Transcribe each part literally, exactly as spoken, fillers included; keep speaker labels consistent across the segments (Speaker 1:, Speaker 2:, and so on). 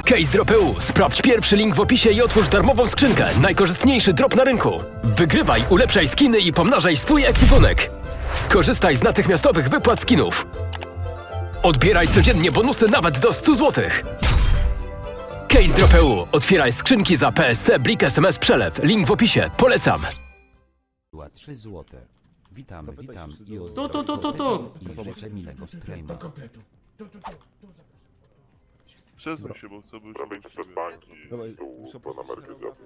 Speaker 1: Case Drop E U. Sprawdź pierwszy link w opisie i otwórz darmową skrzynkę. Najkorzystniejszy drop na rynku. Wygrywaj, ulepszaj skiny i pomnażaj swój ekwipunek. Korzystaj z natychmiastowych wypłat skinów. Odbieraj codziennie bonusy nawet do stu złotych. Case Drop E U. Otwieraj skrzynki za P S C, Blik, S M S, Przelew. Link w opisie. Polecam.
Speaker 2: Była trzy złote. Witam, witam i o
Speaker 3: Tu, tu, tu, tu, tu.
Speaker 2: i życzę miłego streama.
Speaker 4: Przesuń się, bo co by się
Speaker 5: Robić przed banki, tu po numerkę dziadu.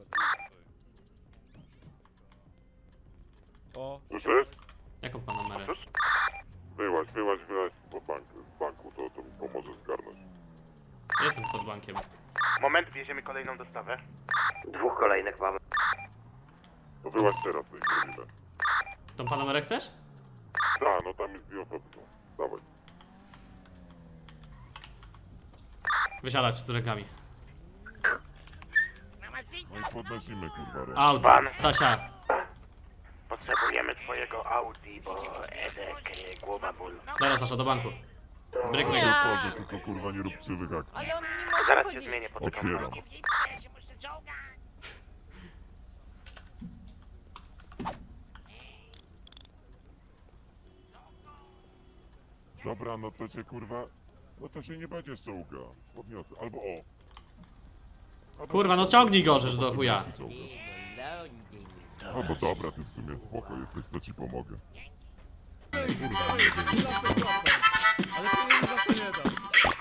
Speaker 4: O,
Speaker 5: Słyszysz?
Speaker 3: Jaką pan numerę?
Speaker 5: Wyłaź, wyłaź, wyłaź po banku, z banku, to, to mi pomoże zgarnąć.
Speaker 3: Jestem pod bankiem.
Speaker 6: Moment, wieziemy kolejną dostawę.
Speaker 7: Dwóch kolejnych mamy.
Speaker 5: To wyłaź teraz, to ich zrobimy.
Speaker 3: Tą pan numerę chcesz?
Speaker 5: Da, no tam jest dwie osoby, no. Dawaj.
Speaker 3: Wysiadać z rękami.
Speaker 5: No i podnosimy, kurwa, rękę.
Speaker 3: Audi,
Speaker 6: Pan.
Speaker 3: Sasia.
Speaker 6: Potrzebujemy twojego Audi, bo Edek, e, głowa ból.
Speaker 3: Dobra, Sasza, do banku. Bryk
Speaker 5: Nie wchodzę, tylko kurwa nie rób krzywych akcji.
Speaker 8: Ale on nie może
Speaker 6: Zaraz się
Speaker 8: chodzić.
Speaker 6: zmienię, potykam
Speaker 5: Otwieram.
Speaker 6: banku.
Speaker 8: Ja się muszę czołgać.
Speaker 5: Dobra, no to cię kurwa, no to się nie będziesz czołga. Podniosę, albo o. Albo
Speaker 3: Kurwa, no ciągnij go, żeż do chuja.
Speaker 5: ci czołgasz. No bo dobra, ty w sumie spoko jesteś, to ci pomogę.
Speaker 4: ale to nie za to nie dam.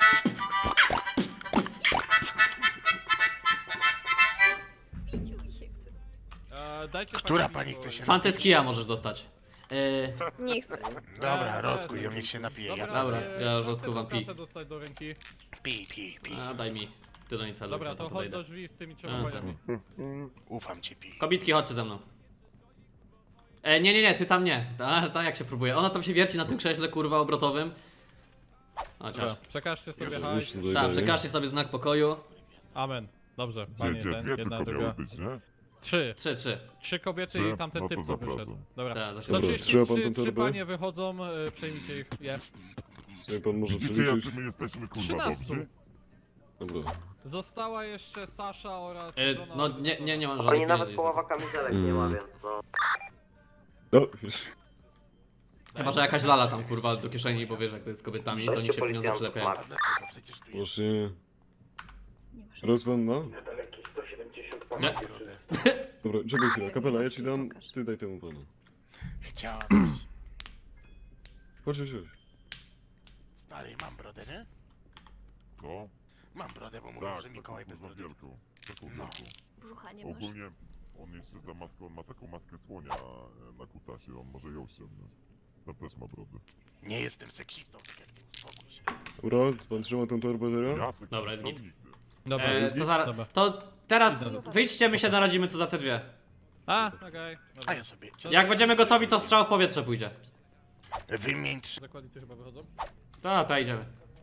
Speaker 8: Piciu mi się chce.
Speaker 4: E, dajcie
Speaker 6: Która pani chce się
Speaker 3: Fantę z kija możesz dostać. Yy,
Speaker 8: Nie chcę.
Speaker 6: Dobra, rozkuj ją, niech się napije. Ja
Speaker 3: Dobra,
Speaker 4: e,
Speaker 3: ja
Speaker 4: chcę
Speaker 3: rozkuwam
Speaker 4: tą
Speaker 3: pi.
Speaker 4: kasę dostać do ręki.
Speaker 6: Pi, pi, pi.
Speaker 3: A, daj mi. Ty do niej celuj,
Speaker 4: Dobra,
Speaker 3: ja
Speaker 4: to
Speaker 3: tam
Speaker 4: chodź
Speaker 3: podejdę.
Speaker 4: do drzwi z tymi
Speaker 3: A,
Speaker 4: trzema paniami.
Speaker 6: Ufam ci, pi.
Speaker 3: Kobitki, chodźcie ze mną. E, nie, nie, nie, ty tam nie. Ta, ta jak się próbuje. Ona tam się wierci na tym krześle, kurwa, obrotowym. Chociaż.
Speaker 4: Dobra, przekażcie sobie hajs.
Speaker 3: Tak, przekażcie sobie znak pokoju.
Speaker 4: Amen. Dobrze,
Speaker 5: Gdzie,
Speaker 4: panie
Speaker 5: gdzie,
Speaker 4: ten,
Speaker 5: dwie
Speaker 4: jedna,
Speaker 5: tylko
Speaker 4: druga.
Speaker 5: miały być, nie?
Speaker 4: Trzy.
Speaker 3: Trzy, trzy.
Speaker 4: Trzy kobiety
Speaker 5: Trzy?
Speaker 4: i tamten
Speaker 5: No to
Speaker 4: typ, co
Speaker 5: zapraszam.
Speaker 4: wyszedł. Dobra.
Speaker 3: Tak, za
Speaker 4: sto
Speaker 3: siedem.
Speaker 4: trzydzieści
Speaker 9: Trzeba pan
Speaker 4: trzy,
Speaker 9: tą
Speaker 4: trzy
Speaker 9: torbę?
Speaker 4: panie wychodzą, y, przejmijcie ich. Je.
Speaker 9: Jak pan może
Speaker 5: Widzicie
Speaker 9: przeliczyć?
Speaker 5: jacy my jesteśmy kurwa
Speaker 4: Trzynastu.
Speaker 5: dobrzy?
Speaker 9: Dobra.
Speaker 4: Została jeszcze Sasza oraz
Speaker 3: E,
Speaker 4: żona...
Speaker 3: no nie, nie, nie mam
Speaker 7: Oni
Speaker 3: żadnych
Speaker 7: nawet
Speaker 3: pieniędzy.
Speaker 7: połowa kamizelek nie ma,
Speaker 9: Mm.
Speaker 7: więc no.
Speaker 9: No, już.
Speaker 3: Chyba, że jakaś lala tam, kurwa, do kieszeni, bo wiesz jak to jest z kobietami, to niech się pieniądze przylepiają.
Speaker 6: A dlaczego? Przecież tu jest
Speaker 9: Właśnie.
Speaker 8: Nie masz.
Speaker 9: Rozpęd ma?
Speaker 3: Nie.
Speaker 9: Dobra, czekaj chwilę. Kapela, ja ci dam, ty daj temu panu.
Speaker 6: Chciałem.
Speaker 9: Chodź, chodź, chodź.
Speaker 6: Stary, mam brodę, nie?
Speaker 5: Co?
Speaker 6: Mam brodę, bo mówią,
Speaker 5: Tak,
Speaker 6: że Mikołaj bez
Speaker 5: kurwa
Speaker 6: brody.
Speaker 5: wielką. Taką
Speaker 6: No.
Speaker 5: wielką.
Speaker 8: Brzucha nie masz.
Speaker 5: Ogólnie on jeszcze za maską, on ma taką maskę słonia e, na kutasie, on może ją ściągnąć. Tam też ma brodę.
Speaker 6: Nie jestem seksistą, tak jak ty, uspokój się.
Speaker 9: Dobra, pan trzyma tą torbę teraz?
Speaker 5: Ja seksistą
Speaker 3: Dobra, jest git.
Speaker 5: nigdy.
Speaker 4: Dobra,
Speaker 3: E,
Speaker 4: jest
Speaker 3: to,
Speaker 4: git?
Speaker 3: zaraz,
Speaker 4: Dobra.
Speaker 3: to teraz wyjdźcie, my się naradzimy co za te dwie.
Speaker 4: A, okej.
Speaker 6: A
Speaker 4: Dobra.
Speaker 6: ja sobie.
Speaker 3: Jak będziemy gotowi, to strzał w powietrze pójdzie.
Speaker 6: Wymień trzy.
Speaker 4: Zakładnicy chyba wychodzą?
Speaker 3: Ta, ta idziemy.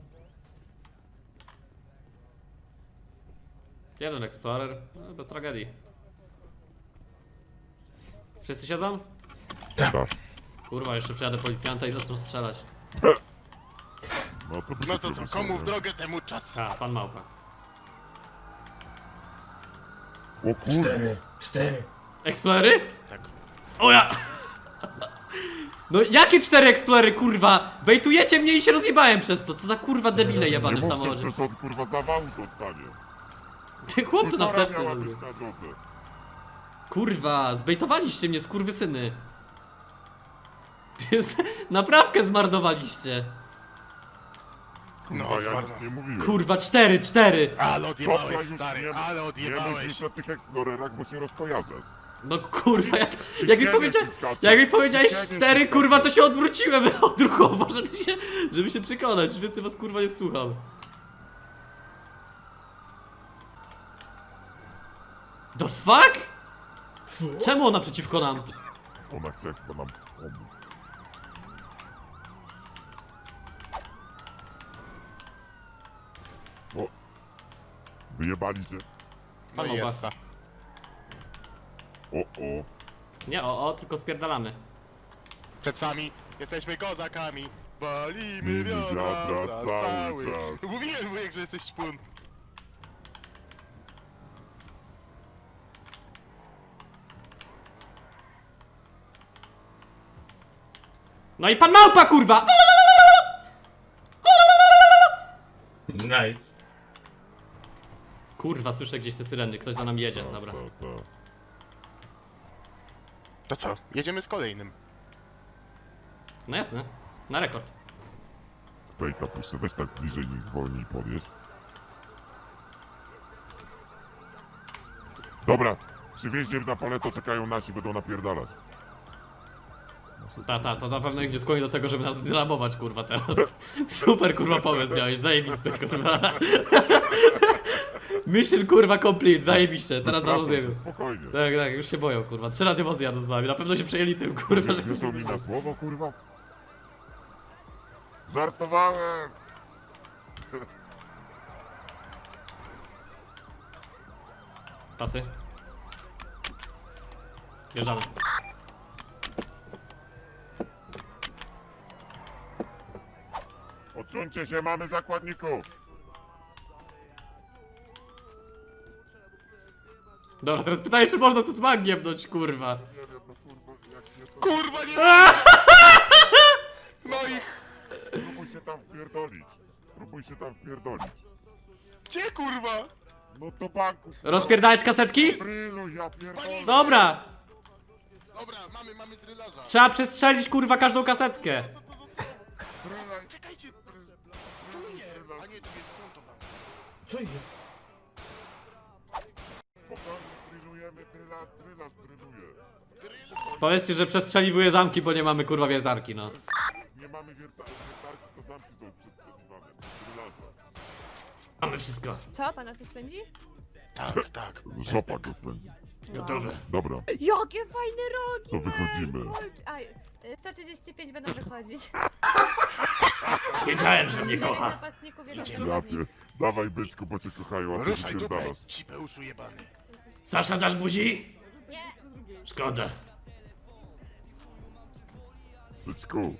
Speaker 3: Jeden Explorer, no, bez tragedii. Wszyscy siedzą?
Speaker 5: Tak.
Speaker 3: Kurwa, jeszcze przyjadę policjanta i zaczną strzelać.
Speaker 5: No to, by
Speaker 6: No
Speaker 5: się
Speaker 6: to co,
Speaker 5: zrobić,
Speaker 6: komu w
Speaker 5: nie?
Speaker 6: drogę, temu czas.
Speaker 3: A, pan Małpa.
Speaker 5: O kurwa.
Speaker 3: Explorery?
Speaker 6: Tak.
Speaker 3: O ja! No jakie cztery Explorery, kurwa? Bejtujecie mnie i się rozjebałem przez to, co za kurwa debile jebany
Speaker 5: Nie
Speaker 3: w
Speaker 5: mówcie,
Speaker 3: samochodzie.
Speaker 5: przecież on kurwa zawału dostanie.
Speaker 3: Ty chłopcy na
Speaker 5: Półtora
Speaker 3: wsteczny.
Speaker 5: miała być na drodze.
Speaker 3: Kurwa, zbejtowaliście mnie, skurwysyny. Ty z- Naprawkę zmarnowaliście.
Speaker 6: No,
Speaker 5: Kurwa, ja
Speaker 6: zmarno.
Speaker 5: nic nie mówiłem.
Speaker 3: Kurwa, cztery, cztery.
Speaker 6: Ale
Speaker 5: Dobra,
Speaker 6: odjebałeś,
Speaker 5: już
Speaker 6: stary,
Speaker 5: nie,
Speaker 6: ale
Speaker 5: nie mów
Speaker 6: odjebałeś.
Speaker 5: już o tych Explorerach, bo się rozkojarzasz.
Speaker 3: No kurwa, jak, jak mi
Speaker 5: Ciśnienie
Speaker 3: powiedzia,
Speaker 5: ci skacze.
Speaker 3: jak mi powiedziałeś
Speaker 5: Ciśnienie
Speaker 3: cztery,
Speaker 5: ci
Speaker 3: kurwa,
Speaker 5: skacze.
Speaker 3: to się odwróciłem odruchowo, żeby się, żeby się przekonać, więcej was kurwa nie słucham. The fuck? Czemu ona przeciwko nam?
Speaker 5: Ona chce chyba nam pomóc. O! Wyjebali się.
Speaker 6: No
Speaker 3: Pan
Speaker 6: i
Speaker 3: Oba.
Speaker 6: jest.
Speaker 5: O, o.
Speaker 3: Nie, o, o, tylko spierdalamy.
Speaker 6: Przed wami jesteśmy kozakami. Walimy
Speaker 5: Mini
Speaker 6: wiadra,
Speaker 5: wiadra
Speaker 6: wiadra
Speaker 5: cały
Speaker 6: cały.
Speaker 5: czas.
Speaker 6: Mówiłem, wujek, że jesteś szpun.
Speaker 3: No i pan małpa, kurwa!
Speaker 10: Nice.
Speaker 3: Kurwa, słyszę gdzieś te syreny, ktoś za nami jedzie,
Speaker 5: Ta,
Speaker 3: dobra.
Speaker 5: ta, ta.
Speaker 6: To co? Jedziemy z kolejnym.
Speaker 3: No jasne, na rekord.
Speaker 5: Tutaj kapuście, weź tak bliżej, niech zwolnij podjedź. Dobra, przy wjeździe na paleto czekają nasi, będą napierdalać.
Speaker 3: Ta, ta, to na pewno ich nie skłoni do tego, żeby nas zrabować, kurwa, teraz. Super, kurwa, pomysł miałeś, zajebisty, kurwa. Mission, kurwa, complete, zajebiście, teraz nas
Speaker 5: Przepraszam cię,
Speaker 3: zjebią.
Speaker 5: spokojnie.
Speaker 3: Tak, tak, już się boją, kurwa. Trzy radiowozy jadą z nami, na pewno się przejęli tym, kurwa, że...
Speaker 5: Wieszą mi na słowo, kurwa? Żartowałem!
Speaker 3: Pasy. Wjeżdżamy.
Speaker 5: Odsuńcie się, mamy zakładników!
Speaker 3: Dobra, teraz pytanie, czy można tu mag giebnąć, kurwa.
Speaker 5: Nie wiem, no kurwa, jak nie to...
Speaker 6: Kurwa nie! No i
Speaker 5: Próbuj się tam wpierdolić. Próbuj się tam wpierdolić.
Speaker 6: gdzie kurwa?
Speaker 5: No do banku.
Speaker 3: Rozpierdalać kasetki?
Speaker 5: Brylu, ja pierdolę.
Speaker 3: Dobra!
Speaker 6: Dobra, mamy, mamy drylarza.
Speaker 3: Trzeba przestrzelić, kurwa, każdą kasetkę.
Speaker 5: Brylaj.
Speaker 6: Czekajcie. Tu nie, a nie, to jest konto tam.
Speaker 10: Co jest?
Speaker 5: Spokojnie, brylujemy, bryla, brylarz bryluje.
Speaker 3: Powiedzcie, że przestrzeliwuję zamki, bo nie mamy, kurwa, wiertarki, no.
Speaker 5: Nie mamy wierta- wiertarki, to zamki są przestrzeliwane. Brylarza.
Speaker 3: Mamy wszystko.
Speaker 8: Co? Pana coś spędzi?
Speaker 6: Tak, tak.
Speaker 5: Szopa go swędzi.
Speaker 3: Gotowe.
Speaker 5: Dobra,
Speaker 8: Jakie fajne rogi!
Speaker 5: to wychodzimy.
Speaker 8: A, y, sto trzydzieści pięć będą wychodzić.
Speaker 3: Wiedziałem, że mnie kocha.
Speaker 8: Napastników jeden
Speaker 5: Ja
Speaker 8: przewodnik.
Speaker 5: pier... Dawaj byczku, bo cię kochają, a ty
Speaker 6: Ruszaj dupę,
Speaker 5: wypierdalasz.
Speaker 6: cipeuszu jebany.
Speaker 3: Sasza, dasz buzi?
Speaker 8: Nie.
Speaker 3: Szkoda.
Speaker 5: Byczku,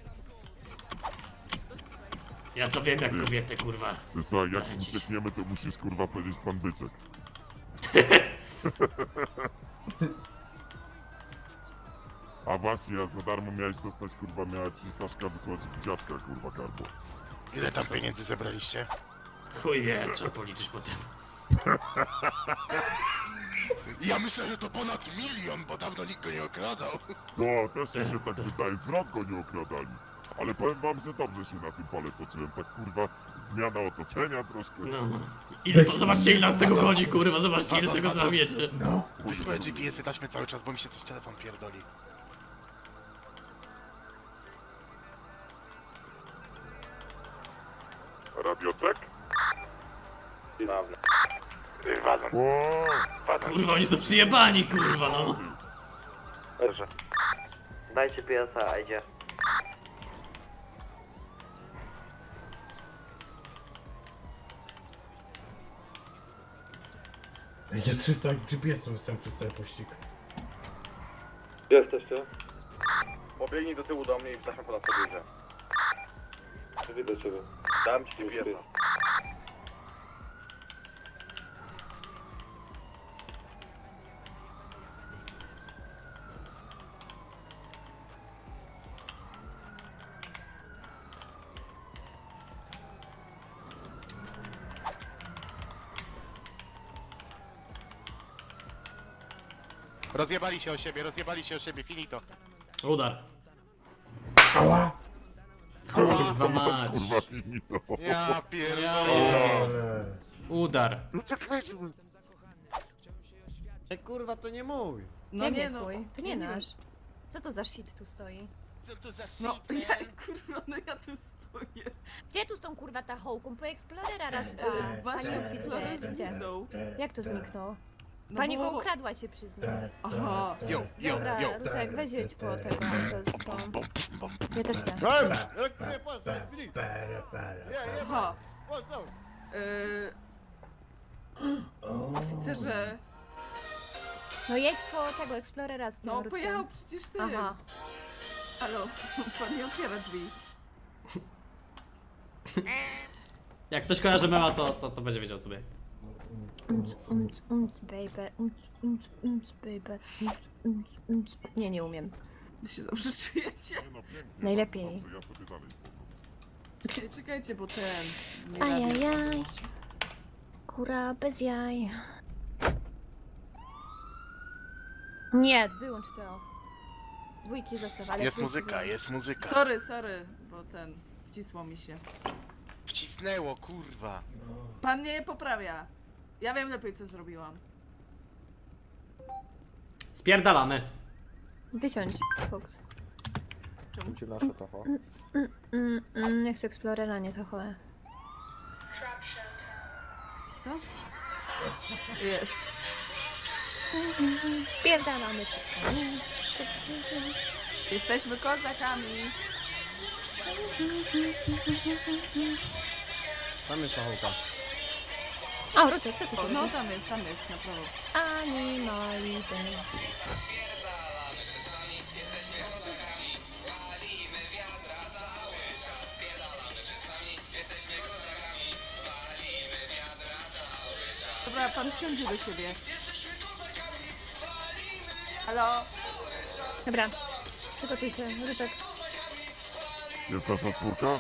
Speaker 3: Ja to wiem, jak kobiety, kurwa.
Speaker 5: ty słuchaj, jak
Speaker 3: Zachęcić.
Speaker 5: uciekniemy, to musisz kurwa powiedzieć pan byczek. A właśnie, ja za darmo miałeś dostać, kurwa, miała ci Saszka wysłać buziaczka, kurwa, karbo.
Speaker 6: Ile tam pieniędzy zebraliście?
Speaker 3: Chuj wie, trzeba policzyć potem.
Speaker 6: Ja myślę, że to ponad milion, bo dawno nikt go nie okradał.
Speaker 5: No, też mi się tak wydaje, z rąk go nie okradali. Ale powiem wam, że dobrze się na tym pale toczyłem, tak kurwa, zmiana otoczenia troszkę.
Speaker 3: No. Ile, zobaczcie, ile nas tego chodzi, kurwa, zobaczcie, ile tego znamiecie.
Speaker 6: Wysłałem G P S-y taśmy cały czas, bo mi się coś telefon pierdoli.
Speaker 5: Radiotek?
Speaker 6: Wadzą.
Speaker 5: O,
Speaker 3: Kurwa, oni są przyjebani, kurwa, no.
Speaker 7: Dobrze. Dajcie P S a, idzie.
Speaker 10: Jest trzysta G P S-ów jestem przez cały pościg.
Speaker 9: Gdzie jesteście? Pobiegnij do tyłu do mnie i wstawmy po nas podjedzie. Widzę ciebie. Dam ci G P S a.
Speaker 6: Rozjebali się o siebie, rozjebali się o siebie, finito.
Speaker 3: Udar.
Speaker 10: Ała!
Speaker 3: Kurwa
Speaker 5: masz
Speaker 3: mać.
Speaker 5: kurwa finito.
Speaker 6: Ja pierdolę.
Speaker 10: Ale...
Speaker 3: Udar.
Speaker 5: No czekajcie, bo...
Speaker 11: Ej, kurwa, to nie mój.
Speaker 8: No nie, no. To nie nasz. Co to za shit tu stoi?
Speaker 6: Co to za
Speaker 8: No,
Speaker 6: shit,
Speaker 8: ja, kurwa, no ja tu stoję. Gdzie tu z tą kurwa tachołką? Po Explorera raz dwa. Pani oficeristie. Jak to zniknął? Pani go ukradła, się przyzna.
Speaker 10: Aha.
Speaker 6: Yo, yo,
Speaker 8: Dobra,
Speaker 6: yo.
Speaker 8: Rutek, weź jedź po tego, to z tą... Ja też chcę.
Speaker 11: Ej, jak nie patrz, bili.
Speaker 10: Para, para.
Speaker 11: Nie, nie,
Speaker 12: Aha.
Speaker 11: patrz, co?
Speaker 12: Yy, widzę, że...
Speaker 8: No jedź po tego Explorera z tym
Speaker 12: No,
Speaker 8: Rutkiem.
Speaker 12: pojechał przecież ty.
Speaker 8: Aha.
Speaker 12: Halo, pan nie otwiera drzwi.
Speaker 3: Jak ktoś kojarzy mema, to, to, to będzie wiedział sobie.
Speaker 8: Unc, unc, unc, baby. Unc, unc, unc, baby. Unc, unc, unc. Nie, nie umiem.
Speaker 12: Wy się dobrze czujecie?
Speaker 5: Nie no, pięknie.
Speaker 8: Najlepiej.
Speaker 5: Dobrze, ja sobie dalej spoko.
Speaker 12: Czekajcie, bo ten... nie radio-
Speaker 8: Ajajaj. Kura bez jaj. Nie, wyłącz to. Dwójki zostaw, ale
Speaker 6: Jest
Speaker 8: trójki
Speaker 6: muzyka,
Speaker 8: wyłącz.
Speaker 6: jest muzyka.
Speaker 12: Sorry, sorry, bo ten... Wcisło mi się.
Speaker 6: Wcisnęło, kurwa.
Speaker 12: Pan mnie poprawia. Ja wiem lepiej, co zrobiłam.
Speaker 3: Spierdalamy.
Speaker 8: Wysiądź, Fox.
Speaker 12: Czemu?
Speaker 9: Ci nasze to,
Speaker 8: Mm, mm, mm, nie chcę Explorera, nie to chole.
Speaker 12: Co? Jest.
Speaker 8: Spierdalamy.
Speaker 12: Jesteśmy kozakami.
Speaker 11: Tam jest pachołka.
Speaker 8: O, Rutek, co ty
Speaker 12: O,
Speaker 8: tu
Speaker 12: no
Speaker 8: robisz?
Speaker 12: tam jest, tam jest, na prawo.
Speaker 8: Animality.
Speaker 12: Dobra, pan wsiądzie do siebie. Halo?
Speaker 8: Dobra, przygotuj się, Rutek.
Speaker 5: Jest nasza czwórka?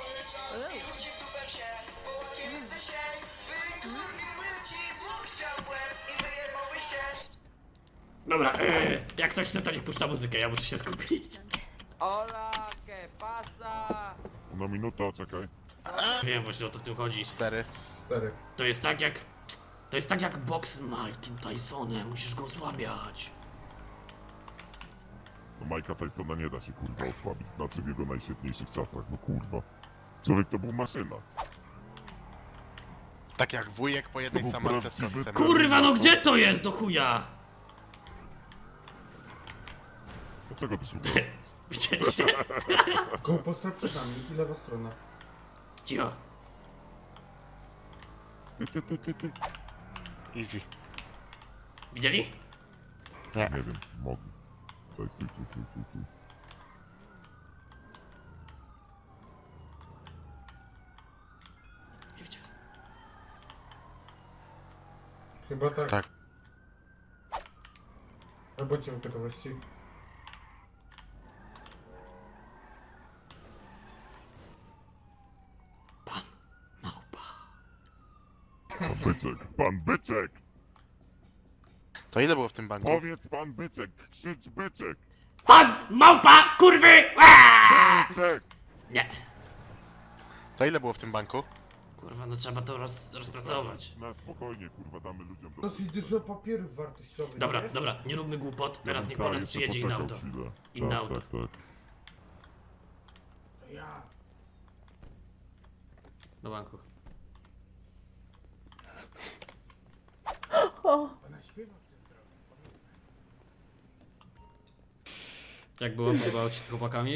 Speaker 3: Dobra, yy, jak ktoś chce, to niech puszcza muzykę, ja muszę się skupić.
Speaker 11: Hola, que pasa?
Speaker 5: Ona minuta, czekaj.
Speaker 3: Wiem właśnie o to w tym chodzi.
Speaker 6: Cztery.
Speaker 10: Cztery.
Speaker 3: To jest tak jak... To jest tak jak boks z Mike'em Tysonem, musisz go osłabiać.
Speaker 5: No Majka Tysona nie da się kurwa osłabić, znaczy w jego najświetniejszych czasach, no kurwa. Człowiek to był maszyna.
Speaker 6: Tak jak wujek po
Speaker 5: To
Speaker 6: jednej
Speaker 5: był
Speaker 6: samatce z
Speaker 5: prawdziwy
Speaker 6: sosem.
Speaker 3: Kurwa, no gdzie to jest, do chuja?
Speaker 5: Dlaczego ty szukasz?
Speaker 3: Widzieliście?
Speaker 10: Koło postaw przed nami i lewa strona.
Speaker 3: Cicho.
Speaker 5: Ty, ty, ty, ty, ty.
Speaker 6: Easy.
Speaker 3: Widzieli?
Speaker 5: Nie wiem, mogę. Daj, stój, stój, stój, stój, stój.
Speaker 3: Nie widzieli.
Speaker 10: Chyba tak.
Speaker 6: Tak.
Speaker 10: Albo cię w gotowości.
Speaker 3: Pan małpa.
Speaker 5: Pan Byczek, pan Byczek!
Speaker 6: To ile było w tym banku?
Speaker 5: Powiedz pan Byczek, krzycz Byczek!
Speaker 3: Pan małpa, kurwy! Aaaa!
Speaker 5: Byczek!
Speaker 3: Nie.
Speaker 6: To ile było w tym banku?
Speaker 3: Kurwa, no trzeba to roz, rozpracować.
Speaker 5: Na spokojnie, kurwa, damy ludziom do...
Speaker 10: Dosyć dużo papierów wartościowych.
Speaker 3: Dobra,
Speaker 10: jest?
Speaker 3: dobra, nie róbmy głupot, teraz niech
Speaker 5: Tak,
Speaker 3: po nas
Speaker 5: jeszcze
Speaker 3: przyjedzie inne
Speaker 5: poczekał
Speaker 3: auto.
Speaker 5: chwilę.
Speaker 3: Inne
Speaker 5: tak,
Speaker 3: auto.
Speaker 5: Tak, tak.
Speaker 10: To ja.
Speaker 3: Do banku.
Speaker 10: Ona śpiewa przez drogę.
Speaker 3: Jak było? Podobało ci się z chłopakami?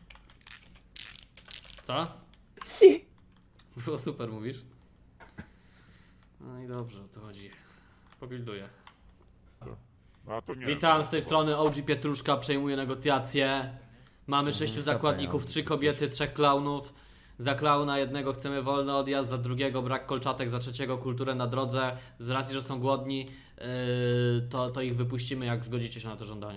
Speaker 3: Co?
Speaker 8: Si.
Speaker 3: Było super, mówisz? No i dobrze, o to chodzi. Pobilduję.
Speaker 5: A to nie.
Speaker 3: Witam z tej strony O G Pietruszka, przejmuję negocjacje. Mamy sześciu zakładników, trzy kobiety, trzech klaunów. Za klauna jednego chcemy wolny odjazd, za drugiego brak kolczatek, za trzeciego kulturę na drodze. Z racji, że są głodni, yy, to, to ich wypuścimy, jak zgodzicie się na to żądanie.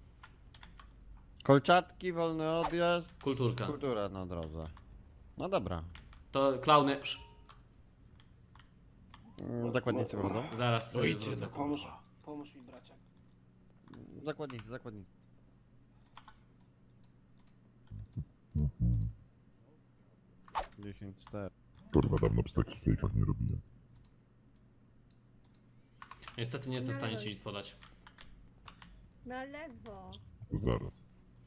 Speaker 11: Kolczatki, wolny odjazd.
Speaker 3: Kulturka.
Speaker 11: Kultura na drodze. No dobra.
Speaker 3: To klauny... Sz,
Speaker 11: Mm, Zakładnicy wychodzą?
Speaker 3: zaraz sobie wrócę.
Speaker 9: Pomóż, pomóż mi, braciak.
Speaker 11: Zakładnicy, zakładnicy. dziesięć cztery.
Speaker 5: Kurwa, dawno przy takich sejfach nie robiłem.
Speaker 3: Niestety nie jestem w stanie ci nic podać.
Speaker 8: Na lewo.
Speaker 5: To zaraz.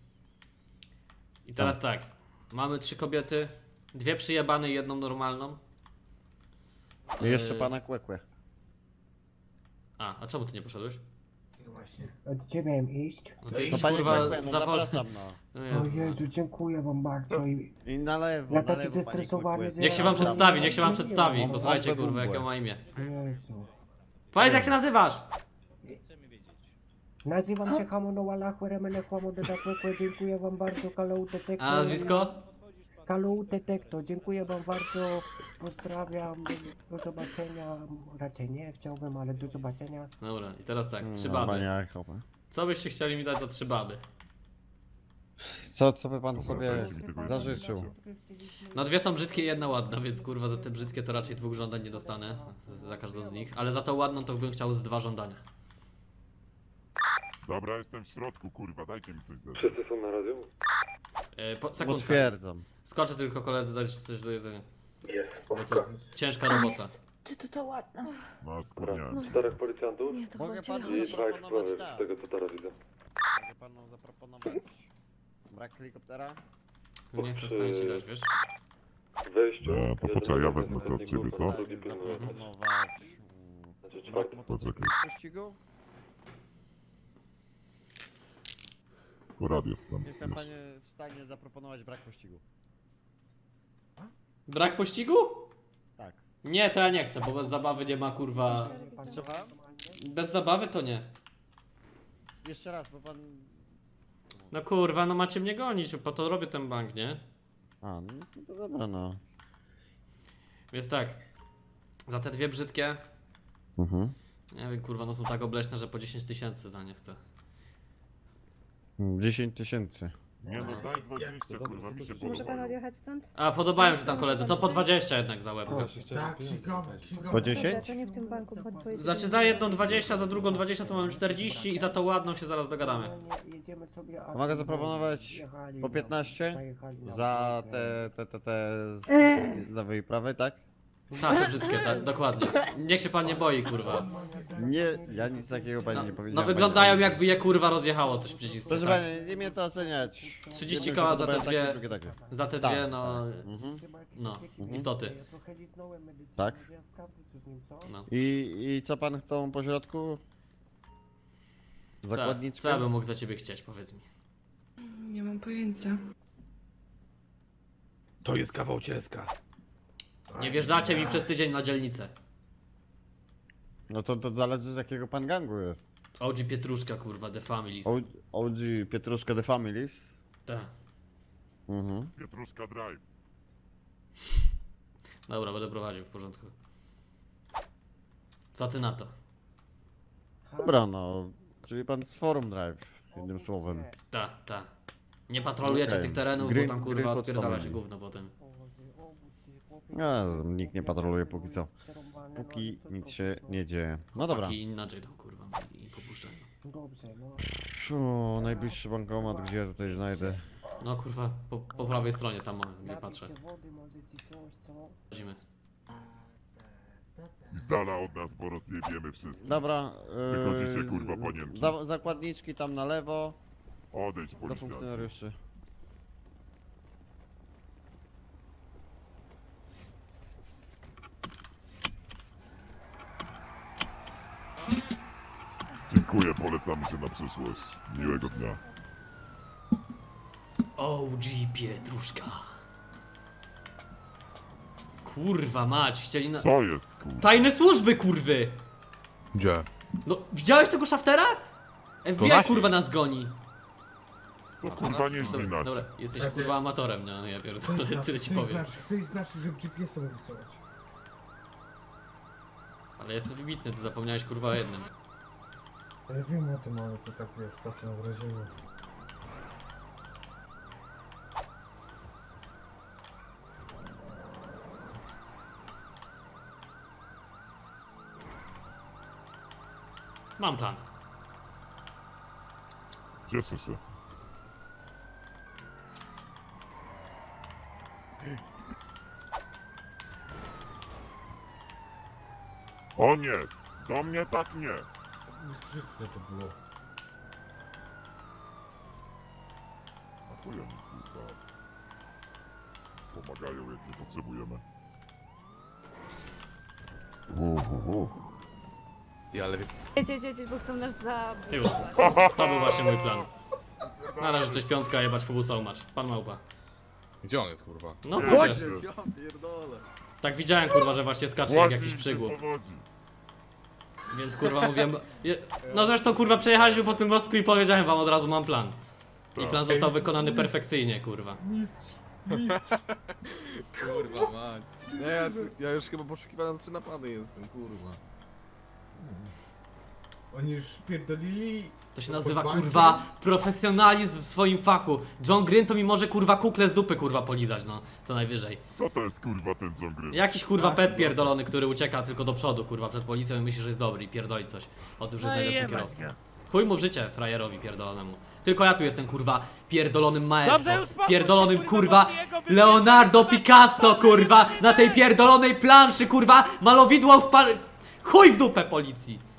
Speaker 3: I teraz tak. Mamy trzy kobiety, dwie przyjebane i jedną normalną.
Speaker 11: I jeszcze
Speaker 3: Yy,
Speaker 11: pana Kłekłe.
Speaker 3: A, a czemu ty nie poszedłeś?
Speaker 10: No właśnie.
Speaker 13: A gdzie miałem iść?
Speaker 3: No ty
Speaker 11: To
Speaker 3: idź,
Speaker 11: panie
Speaker 3: kurwa,
Speaker 11: Kłekłe, no
Speaker 3: za wolno.
Speaker 11: zapraszam no.
Speaker 3: No
Speaker 13: O
Speaker 3: Jezu.
Speaker 13: Jezu, dziękuję wam bardzo i
Speaker 11: I na lewo,
Speaker 13: Ja
Speaker 11: na
Speaker 13: taki
Speaker 11: lewo panie
Speaker 13: zestresowany,
Speaker 11: Kłekłe.
Speaker 13: że
Speaker 3: Niech się wam
Speaker 13: Ja tam-
Speaker 3: przedstawi, niech się wam
Speaker 13: Nie
Speaker 3: przedstawi.
Speaker 13: wiem,
Speaker 3: Posłuchajcie,
Speaker 11: Albo
Speaker 3: kurwa,
Speaker 11: Bumble.
Speaker 3: jakie ma imię.
Speaker 13: Jezu.
Speaker 3: Powiedz, jak się nazywasz?
Speaker 13: Nazywam się Hamono Walachwe Remene Chłamo Dedakłekłe, dziękuję wam bardzo, Kalau Detekto.
Speaker 3: A nazwisko?
Speaker 13: Kalau Detekto, dziękuję wam bardzo, pozdrawiam, do zobaczenia, raczej nie chciałbym, ale do zobaczenia.
Speaker 3: Dobra, i teraz tak, trzy
Speaker 11: No,
Speaker 3: baby.
Speaker 11: panie Echo.
Speaker 3: Co byście chcieli mi dać za trzy baby?
Speaker 11: Co, co by pan
Speaker 5: Dobra,
Speaker 11: sobie
Speaker 5: dajcie mi tego
Speaker 11: zażyczył?
Speaker 5: jednego.
Speaker 3: No dwie są brzydkie, jedna ładna, więc kurwa za te brzydkie to raczej dwóch żądań nie dostanę. z- Za każdą z nich. Ale za tą ładną to bym chciał z dwa żądania.
Speaker 5: Dobra, jestem w środku, kurwa, dajcie mi coś zacząć.
Speaker 9: Wszyscy są na radiu?
Speaker 3: E, po, sekundkę.
Speaker 11: Potwierdzam.
Speaker 3: Skoczę tylko koledzy dać coś do jedzenia.
Speaker 9: Jest,
Speaker 3: Bo to ciężka robota.
Speaker 8: Ty to to ładna.
Speaker 5: No, wspomniałem.
Speaker 9: Czterech policjantów
Speaker 8: Nie, to chyba
Speaker 11: Mogę
Speaker 8: w ciebie
Speaker 11: panu
Speaker 9: i
Speaker 8: chodzi.
Speaker 9: dwa
Speaker 11: zaproponować
Speaker 9: eksplory,
Speaker 11: tak.
Speaker 9: z tego co teraz widzę.
Speaker 11: Mogę panu zaproponować brak helikoptera?
Speaker 3: Nie jestem w stanie ci dać, wiesz?
Speaker 9: W wejściu...
Speaker 5: E, to
Speaker 9: jeden
Speaker 5: poczekaj, ja
Speaker 9: z
Speaker 5: wezmę sobie od ciebie, co?
Speaker 9: drugi pilnuje.
Speaker 11: Zaproponować mm,
Speaker 9: Znaczy
Speaker 11: brak
Speaker 9: czwarty.
Speaker 11: motocykli w pościgu?
Speaker 5: Porad jest tam.
Speaker 11: Jestem
Speaker 5: Już.
Speaker 11: panie w stanie zaproponować brak pościgu.
Speaker 3: Brak pościgu?
Speaker 11: Tak.
Speaker 3: Nie, to ja nie chcę, bo bez zabawy nie ma kurwa...
Speaker 11: Słucham?
Speaker 3: Bez zabawy to nie.
Speaker 11: Jeszcze raz, bo pan...
Speaker 3: No kurwa, no macie mnie gonić, po to robię ten bank, nie?
Speaker 11: A, no to, to dobra no.
Speaker 3: Więc tak. Za te dwie brzydkie...
Speaker 11: Mhm.
Speaker 3: Nie wiem, kurwa, no są tak obleśne, że po dziesięć tysięcy za nie chcę.
Speaker 11: dziesięć tysięcy.
Speaker 5: Nie no, daj dwadzieścia, kurwa, mi się podobają.
Speaker 8: odjechać stąd?
Speaker 3: A, podobają się tam koledzy, to po dwadzieścia jednak za łebkę.
Speaker 10: Tak, księgowe, księgowe.
Speaker 11: Po dziesięć?
Speaker 8: nie w tym banku, chodź pojedziemy.
Speaker 3: Znaczy za jedną dwadzieścia, za drugą dwadzieścia to mamy czterdzieści i za tą ładną się zaraz dogadamy.
Speaker 13: Jedziemy sobie, a
Speaker 11: Mogę
Speaker 13: tu
Speaker 11: zaproponować
Speaker 13: jechali
Speaker 11: po
Speaker 13: na-
Speaker 11: piętnaście?
Speaker 13: zajechali na
Speaker 11: Za
Speaker 13: ulicę.
Speaker 11: te, te, te, te z
Speaker 8: Eee.
Speaker 11: lewej i prawej, tak?
Speaker 3: Tak, te brzydkie, tak, dokładnie. Niech się pan nie boi, kurwa.
Speaker 11: Nie, ja nic takiego pani
Speaker 3: No,
Speaker 11: nie
Speaker 3: no
Speaker 11: powiedziałem.
Speaker 3: wyglądają
Speaker 11: pani.
Speaker 3: jakby je kurwa rozjechało coś w przycisku.
Speaker 11: Proszę
Speaker 3: Tak.
Speaker 11: pani, nie mnie to oceniać.
Speaker 3: trzydzieści
Speaker 11: Jednym
Speaker 3: koła
Speaker 11: się
Speaker 3: za te
Speaker 11: podobają
Speaker 3: dwie-
Speaker 11: takie, drugie takie.
Speaker 3: Za te
Speaker 11: Tak,
Speaker 3: dwie, no...
Speaker 11: Mhm.
Speaker 13: Chyba jakieś
Speaker 3: No,
Speaker 13: takie
Speaker 11: mhm.
Speaker 3: istoty.
Speaker 13: Ja trochę liznąłem medycynę,
Speaker 11: Tak.
Speaker 13: może ja sprawdzę co z nim, co?
Speaker 3: no.
Speaker 11: I, I co pan chcą po środku?
Speaker 3: Co,
Speaker 11: Zakładniczkę?
Speaker 3: co ja bym mógł za ciebie chcieć, powiedz mi.
Speaker 8: Nie mam pojęcia.
Speaker 1: To jest kawał cieska.
Speaker 3: Nie wjeżdżacie mi przez tydzień na dzielnicę.
Speaker 11: No to, to zależy z jakiego pan gangu jest.
Speaker 3: O G Pietruszka, kurwa, The Families.
Speaker 11: O- O G Pietruszka The Families.
Speaker 3: Tak.
Speaker 11: Mhm.
Speaker 5: Pietruszka Drive.
Speaker 3: Dobra, będę prowadził, w porządku. Co ty na to?
Speaker 11: Dobra no, czyli pan z Forum Drive, jednym słowem.
Speaker 3: Ta, ta. Nie patrolujecie
Speaker 11: Okej.
Speaker 3: tych terenów,
Speaker 11: Gry-
Speaker 3: bo tam
Speaker 11: gry
Speaker 3: kurwa
Speaker 11: pod
Speaker 3: odpierdala się
Speaker 11: family.
Speaker 3: gówno potem.
Speaker 11: Ja, nikt nie patroluje póki co. Póki nic się nie dzieje. No dobra.
Speaker 3: I inaczej tam kurwa i popuszczają.
Speaker 13: Dobrze, no.
Speaker 11: O, najbliższy bankomat, gdzie ja tutaj znajdę.
Speaker 3: No kurwa, po, po prawej stronie tam, o, gdzie
Speaker 13: Napić
Speaker 3: patrzę.
Speaker 13: się wody, może ci coś, co?
Speaker 3: Chodzimy.
Speaker 5: I z dala od nas, bo rozjebiemy wszystko.
Speaker 11: Dobra. Yy,
Speaker 5: Wychodzicie, kurwa, panienki.
Speaker 11: za, zakładniczki tam na lewo.
Speaker 5: Odejdź,
Speaker 11: Do
Speaker 5: policjancie.
Speaker 11: funkcjonariuszy.
Speaker 5: Dziękuję, polecamy się na przyszłość. Miłego dnia.
Speaker 3: O G Pietruszka. Kurwa mać, chcieli na...
Speaker 5: Co jest, kurwa?
Speaker 3: Tajne służby, kurwy!
Speaker 1: Gdzie?
Speaker 3: No, widziałeś tego szaftera? F B I
Speaker 1: nasi.
Speaker 3: kurwa nas goni.
Speaker 5: To kurwa nie źli
Speaker 3: Dobra,
Speaker 5: nas.
Speaker 3: dobra, jesteś kurwa amatorem, nie? No ja
Speaker 10: Ktoś
Speaker 3: pierdolę,
Speaker 10: z nas,
Speaker 3: tyle ci
Speaker 10: ktoś z
Speaker 3: powiem.
Speaker 10: nas, ktoś z nas, żeby G P S-em wysyłać.
Speaker 3: Ale jestem wybitny, ty zapomniałeś kurwa o jednym.
Speaker 10: Ja wiem o tym, ale to tak wiesz, zawsze na wrażeniu.
Speaker 3: Mam plan.
Speaker 5: Cieszę się. O nie! Do mnie tak nie!
Speaker 10: Czyste to było.
Speaker 5: A chuja mi, kurwa. Pomagają, jak nie potrzebujemy. Uh, uh, uh.
Speaker 1: ale...
Speaker 8: Jedź, jedź, jedź, bo chcą nas za...
Speaker 3: Już. To był właśnie mój plan. Na razie cześć piątka, jebać fubusa umacz. Pan małpa.
Speaker 1: Gdzie on jest, kurwa?
Speaker 3: No
Speaker 5: Nie,
Speaker 3: wodzie.
Speaker 5: nie.
Speaker 11: Ja pierdolę.
Speaker 3: Tak widziałem kurwa, że właśnie skacze jak
Speaker 5: Ładzi
Speaker 3: jakiś
Speaker 5: się
Speaker 3: przygłup.
Speaker 5: powodzi.
Speaker 3: Więc kurwa mówiłem... je- No zresztą kurwa przejechaliśmy po tym mostku i powiedziałem wam od razu mam plan. I plan został wykonany perfekcyjnie kurwa.
Speaker 10: Mistrz, mistrz.
Speaker 1: Kurwa, mać. Nie, ja, ja już chyba poszukiwany za trzy napady jestem, kurwa.
Speaker 10: Oni już spierdolili.
Speaker 3: To się nazywa
Speaker 10: Pod
Speaker 3: kurwa
Speaker 10: bankiem?
Speaker 3: profesjonalizm w swoim fachu. John Green to mi może kurwa kukle z dupy kurwa polizać, no, co najwyżej.
Speaker 5: Co to jest kurwa ten John Green?
Speaker 3: Jakiś kurwa
Speaker 10: Tak,
Speaker 3: pet pierdolony, który ucieka tylko do przodu kurwa przed policją i myśli, że jest dobry i pierdoli coś o tym, że jest najlepszym kierowcą. Chuj mu w życie frajerowi pierdolonemu. Tylko ja tu jestem kurwa pierdolonym maestro, pierdolonym kurwa Leonardo Picasso kurwa na tej pierdolonej planszy kurwa malowidło w par... Chuj w dupę policji!